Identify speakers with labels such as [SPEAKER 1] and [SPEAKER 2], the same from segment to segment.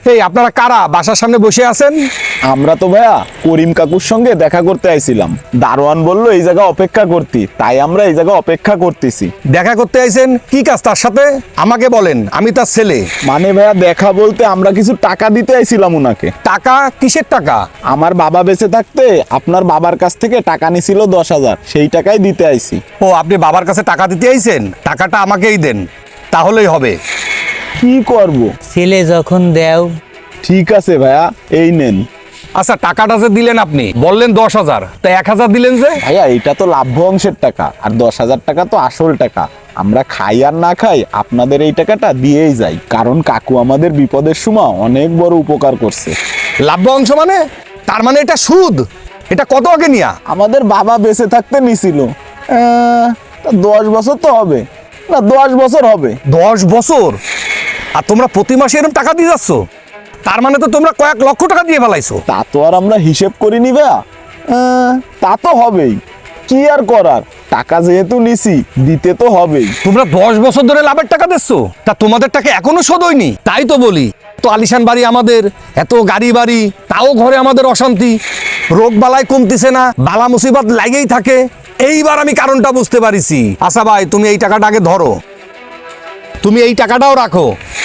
[SPEAKER 1] এই আপনারা কারা বাসার সামনে বসে আছেন?
[SPEAKER 2] আমরা তো ভাইয়া করিম কাকুর সঙ্গে দেখা করতে আইছিলাম। দারোয়ান বলল এই জায়গা অপেক্ষা করতে, তাই আমরা এই জায়গা অপেক্ষা করতেছি।
[SPEAKER 1] দেখা করতে আইছেন? কি কাজ তার সাথে আমাকে বলেন, আমি তার ছেলে।
[SPEAKER 2] মানে ভাইয়া দেখা বলতে আমরা কিছু টাকা দিতে আইছিলাম উনাকে।
[SPEAKER 1] টাকা? কিসের টাকা?
[SPEAKER 2] আমার বাবা বেঁচে থাকতে আপনার বাবার কাছ থেকে টাকা নিছিল 10,000, সেই টাকাই দিতে আইছি।
[SPEAKER 1] ও, আপনি বাবার কাছে টাকা দিতে আইছেন? টাকাটা আমাকেই দেন, তাহলেই হবে।
[SPEAKER 2] কি করব?
[SPEAKER 3] ছেলে যখন দেও।
[SPEAKER 2] ঠিক আছে ভাইয়া, এই নেন।
[SPEAKER 1] আচ্ছা, টাকাটা যে দিলেন, আপনি বললেন 10,000, তা 1,000 দিলেন যে?
[SPEAKER 2] ভাইয়া এটা তো লাভ্য অংশের টাকা, আর 10,000 টাকা তো আসল টাকা। আমরা খাই আর না খাই আপনাদের এই টাকাটা দিয়েই যাই, কারণ কাকু আমাদের বিপদের সময় অনেক বড় উপকার করছে।
[SPEAKER 1] লাভ্য অংশ মানে? তার মানে এটা সুদ? এটা কত আগে নিয়া?
[SPEAKER 2] আমাদের বাবা বেঁচে থাকতে নিছিল 10 বছর তো হবে না, 10 বছর হবে।
[SPEAKER 1] 10 বছর? আর তোমরা প্রতি মাসে এরকম টাকা দিয়ে যাচ্ছ? তার মানে তো তোমরা কয়েক লক্ষ টাকা দিয়ে ফেলাইছো।
[SPEAKER 2] তা তো আর আমরা হিসেব করিনি ভাইয়া। তা তো হবেই, কি আর করার, টাকা যেহেতু নিছি দিতে তো হবেই।
[SPEAKER 1] তোমরা 10 বছর ধরে লাভের টাকা দিচ্ছ, তা তোমাদের টাকা এখনো শোধ হয়নি। তাই তো বলি, তো আলিশান বাড়ি আমাদের, এত গাড়ি বাড়ি, তাও ঘরে আমাদের অশান্তি, রোগ বালাই কমতিছে না, বালা মুসিবত লাগেই থাকে। এইবার আমি কারণটা বুঝতে পারিছি। আচ্ছা ভাই, তুমি এই টাকাটা আগে ধরো, তুমি এই টাকাটাও রাখো,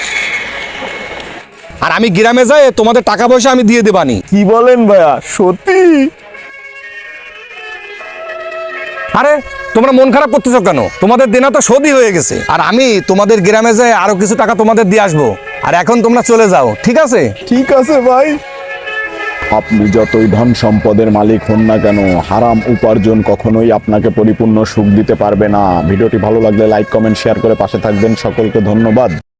[SPEAKER 1] আর আমি গ্রামে যাই তোমাদের টাকা পয়সা আমি দিয়ে দেবানি।
[SPEAKER 2] কি বলেন ভাইয়া, সত্যি?
[SPEAKER 1] আরে তোমরা মন খারাপ করতেছো কেন? তোমাদের দেনা তো শোধই হয়ে গেছে, আর আমি তোমাদের গ্রামে যাই আরো কিছু টাকা তোমাদের দিয়ে আসবো। আর এখন তোমরা চলে যাও, ঠিক আছে?
[SPEAKER 2] ঠিক আছে ভাই। আপনি যতই ধন সম্পদের মালিক হন না কেন, হারাম উপার্জন কখনোই আপনাকে পরিপূর্ণ সুখ দিতে পারবে না। ভিডিওটি ভালো লাগলে লাইক, কমেন্ট, শেয়ার করে পাশে থাকবেন। সকলকে ধন্যবাদ।